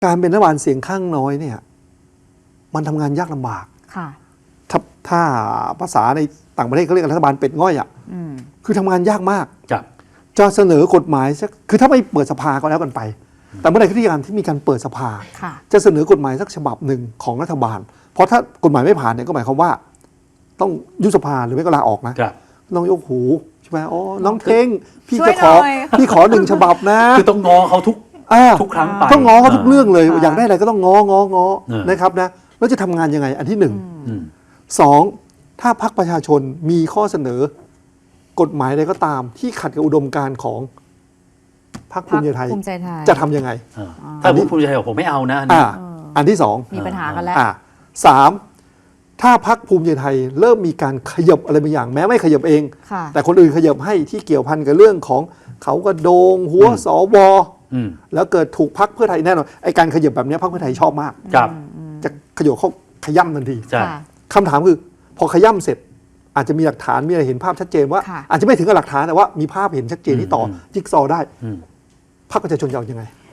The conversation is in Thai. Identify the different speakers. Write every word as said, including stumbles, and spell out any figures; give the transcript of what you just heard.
Speaker 1: การเป็นรัฐบาลเสียงข้างน้อยเนี่ยมันทำงานยากลำบาก
Speaker 2: ค่ะ
Speaker 1: ถ้าถ้าภาษาในต่างประเทศเขาเรียกรัฐบาลเป็ดง่อยอ่ะคือทำงานยากมากจะเสนอกฎหมายสักคือถ้าไม่เปิดสภาก็แล้วกันไป แต่เมื่อไหร่ที่การที่มีการเปิดสภาจะเสนอกฎหมายสักฉบับหนึ่งของรัฐบาลเพราะถ้ากฎหมายไม่ผ่านเนี่ยก็หมายความว่าต้องยุบสภาหรือไม่ก็ลาออกนะน้องยกหูใช่ไหมอ๋อน้องเท่งพี่จะขอพี่ขอหนึ่งฉบับนะ
Speaker 3: คือต้องงอเขาทุกทุกครั้งไป
Speaker 1: ต้องง้อเขาทุกเรื่องเลยอยากได้อะไรก็ต้องง้อง้อง้อนะครับนะแล้วจะทำงานยังไงอันที่หนึ่งสองถ้าพรรคประชาชนมีข้อเสนอกฎหมายใดก็ตามที่ขัดกับอุดมการณ์ของพรรคภูมิใจไทยจะทำยังไง
Speaker 3: ถ้าภูมิใจไทยบอกผมไม่เอานะ
Speaker 1: อันที่สอง
Speaker 2: มีปัญหากันแล้ว
Speaker 1: สามถ้าพรรคภูมิใจไทยเริ่มมีการขยับอะไรบางอย่างแม้ไม่ขยับเองแต่คนอื่นขยับให้ที่เกี่ยวพันกับเรื่องของเขากระโดงหัวสวแล้วเกิดถูกพรรคเพื่อไทยแน่นอนไอ้การขยับแบบนี้พรรคเพื่อไทยชอบมากจะขยับเขาขย่ำทันทีคำถามคือพอขย่ำเสร็จอาจจะมีหลักฐานมีอะไรเห็นภาพชัดเจนว่าอาจจะไม่ถึงกับหลักฐานแต่ว่ามีภาพเห็นชัดเจนที่ต่อจิ๊กซอว์ได้พรรคประชาชนจะเอายังไง